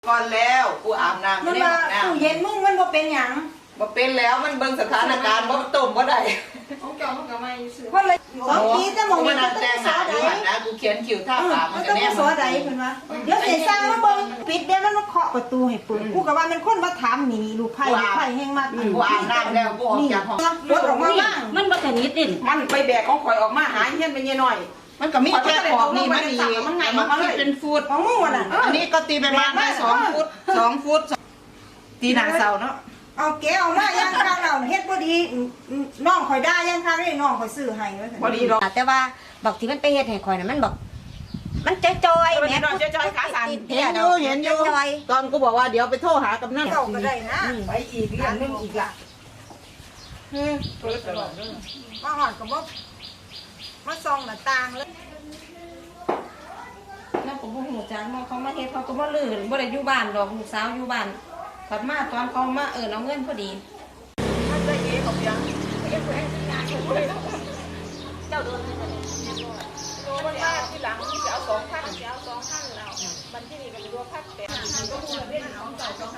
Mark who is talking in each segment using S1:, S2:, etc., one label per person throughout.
S1: ก่อนแล้วกูอาบน้ำ
S2: มันว่าตู้เย็นมึงมันบ่เป็นหยัง
S1: บ่เป็นแล้วมันเบิ่งสถานการณ์บ่ต้มบ่ได้
S3: ของเจ้ามันก็ไม่ซื้อ
S2: เพราะเลย2 ปีจะมองมันต้องสอใด
S1: นะกูเขียนคิวท่าปาก
S2: มันก็แน่สอใดเพิ่นว่าเดี๋ยวสิสร้างมาเบิ่งปิดเดี๋ยวมันมาเคาะประตูให้เปิดกูก็ว่ามันคนมาถามหนีลูกไผ่แฮงมาก
S1: กูอาบน้ำแล้วกูออกจากห้อง
S2: รถออกมาบ้าง
S3: มันบ่สนิทดิ
S1: มันไปแบกของข่อยออกมาหาเฮียนไปเยหน่อยมันก็มีแค่ขอบนี่มันดีมันไงมันเป็นฟุต
S2: ของมึงว่ะน่ะ
S1: อันนี้ก็ตีไปประมาณ2 ฟุตตีหน้าเสาเนาะ
S2: เอาแกเอามาย่างข้างเราเฮ็ดบ่ดีน้องข่อยได้ย่างข้างนี่น้องข่อยซื้อให้ว่าซั่น
S1: บ่ดีดอก
S4: แต่ว่าบอกที่มันไปเฮ็ดให้ข่อยน่ะมันบอกมันจอย
S1: แม่พูดจอยขาสั่นเห็นอยู่ตอนกูบอกว่าเดี๋ยวไปโทรหากำนัน
S2: เจ้าก็ได้นะ
S1: ไปอีกเรื่องนึงอีกล่ะ
S2: มาหอดก็บ่มาส่องหน้าต่างเลย
S3: แล้วผมบ่ฮู้จักเขามาเฮ็ดเขาก็บ่ลื่นบ่ได้อยู่บ้านดอกลูกสาวอยู่บ้านกลับมาตอนเขามาเอาเงินพอดี
S1: มันได้เอ๋กับยัง
S3: เจ้าโดนไหมโดนมันมาที่หลังที่จะเอา2,000จะเอา2,000แล้วมันที่นี่ก็รวมพักแต่ก็พูดเล่นเอาจ่าย2,000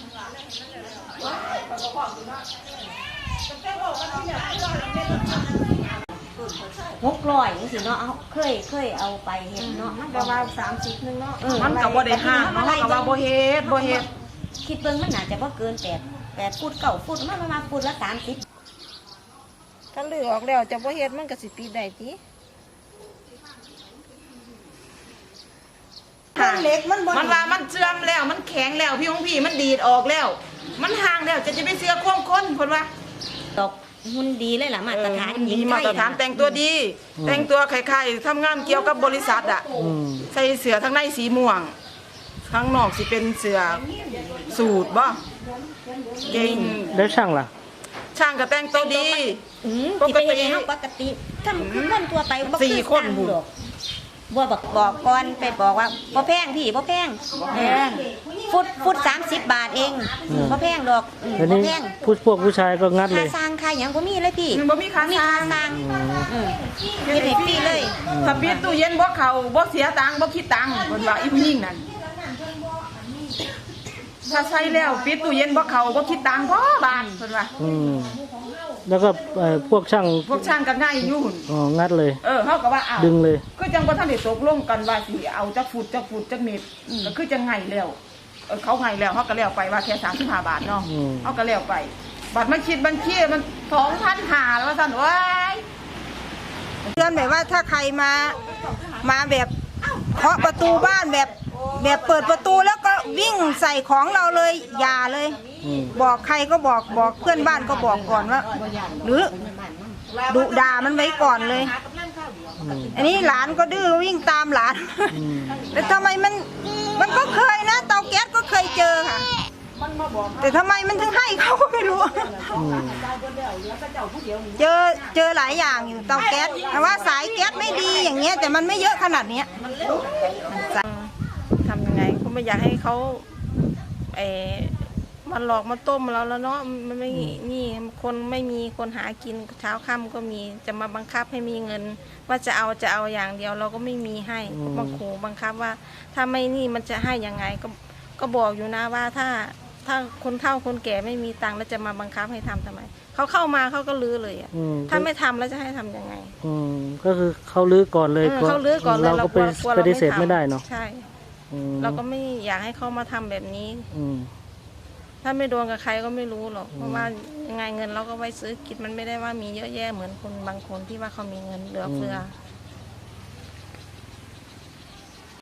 S4: 600จังซี่เนาะเอาเคยเอาไปเฮ็ดเนาะมัน
S3: ประมาณ30นึงเนาะ
S1: มันก็บ่ได้ห้างเนาะก็ว่าบ่เฮ็ด
S4: คิดเบิ่งมันน่าจะบ่เกิน8ฟุต9ฟุตมันประมาณฟุตละ30
S3: ถ้าลือออกแล้วจะบ่เฮ็ดมันก็สิติดได้ติ
S2: เล็กมันบ่
S1: มันว่ามันเชื่อมแล้วมันแข็งแล้วพี่ของพี่มันดีดออกแล้วมันห่างแล้วจะไปเสื้อควงคนเพิ่นว่า
S4: ตกหุ่นดีเลยล่ะมาตรฐาน
S1: ดีมาตรฐานแต่งตัวดีแต่งตัวคล้ายๆทำงานเกี่ยวกับบริษัทอ่ะใส่เสื้อทั้งในสีม่วงข้างนอกสิเป็นเสื้อสูทบ่เก่ง
S5: แล้วช่างล่ะ
S1: ช่างก็แต่งตัวดี
S4: ปกติเฮาปกติทำคือคนทั่วไปบ่คือ4 คนดอกบ่บอกก่อนไปบอกว่าบ่แพงพี่บ่แพงฟุต30 บาทเองบ่แพงดอกบ่แพง
S5: พวกผู้ชายก็งัดเลย
S4: ค่าสร้างค่าหยังบ่มีเลยพี่
S1: บ่มีค่าสร้าง
S4: เฮ็ดให้ฟรีเลย
S1: ถ้าปิดตู้เย็นบ่เข้าบ่เสียตังค์บ่คิดตังค์เพิ่นว่าอีผู้หญิงนั่นถ้าใช้แล้วปิดตู้เย็นบ่เข้าบ่คิดตังค์พอบาทเพิ่นว่า
S5: แล้วก็พวกช่าง
S1: ก็ง่ายอยู่
S5: งัดเลย
S1: เฮาก็ว่าอ้าว
S5: ดึงเลย
S1: คือจังบ่ทันได้ตกลงกันว่าสิเอาจักฟุตจักเมตรก็คือจังไงแล้วเขาไงแล้วเฮาก็แล้วไปว่าแค่35 บาทเนาะเฮาก็แล้วไปบัตรมันคิดบัญชีมัน 2,500แล้วว่าซั่นโอ้ย
S2: เตือนแบบว่าถ้าใครมาแบบเคาะประตูบ้านแบบเปิดประตูแล้วก็วิ่งใส่ของเราเลยอย่าเลยบอกใครก็บอกเพื่อนบ้านก็บอกก่อนว่าหรือดุด่ามันไว้ก่อนเลยอันนี้หลานก็ดื้อวิ่งตามหลานแต่ทำไมมันก็เคยนะเตาแก๊สก็เคยเจอค่ะแต่ทำไมมันถึงให้เขาก็ไม่รู้เจอหลายอย่างอยู่เตาแก๊สแต่ว่าสายแก๊สไม่ดีอย่างเงี้ยแต่มันไม่เยอะขนาดนี้
S3: ทำยังไงก็ไม่อยากให้เขามันหลอกมาต้มเราแล้วเนาะมันไม่นี่คนไม่มีคนหากินเช้าค่ำก็มีจะมาบังคับให้มีเงินว่าจะเอาอย่างเดียวเราก็ไม่มีให้บังขู่บังคับว่าถ้าไม่นี่มันจะให้ยังไงก็บอกอยู่นะว่าถ้าคนเฒ่าคนแก่ไม่มีตังค์แล้วจะมาบังคับให้ทำทำไมเขาเข้ามาเขาก็ลื้อเลยถ้าไม่ทำแล้วจะให้ทำยังไง
S5: ก็คือเขาลื้อก่อนเลย
S3: เขาลื้อก่อนเลย
S5: เราก็ปฏิเสธไม่ได้เนาะ
S3: ใช่เราก็ไม่อยากให้เขามาทำแบบนี้ถ้าไม่โดนกับใครก็ไม่รู้หรอกเพราะว่ายังไงเงินเราก็ไว้ซื้อกินมันไม่ได้ว่ามีเยอะแยะเหมือนคนบางคนที่ว่าเขามีเงินเหลือเฟือ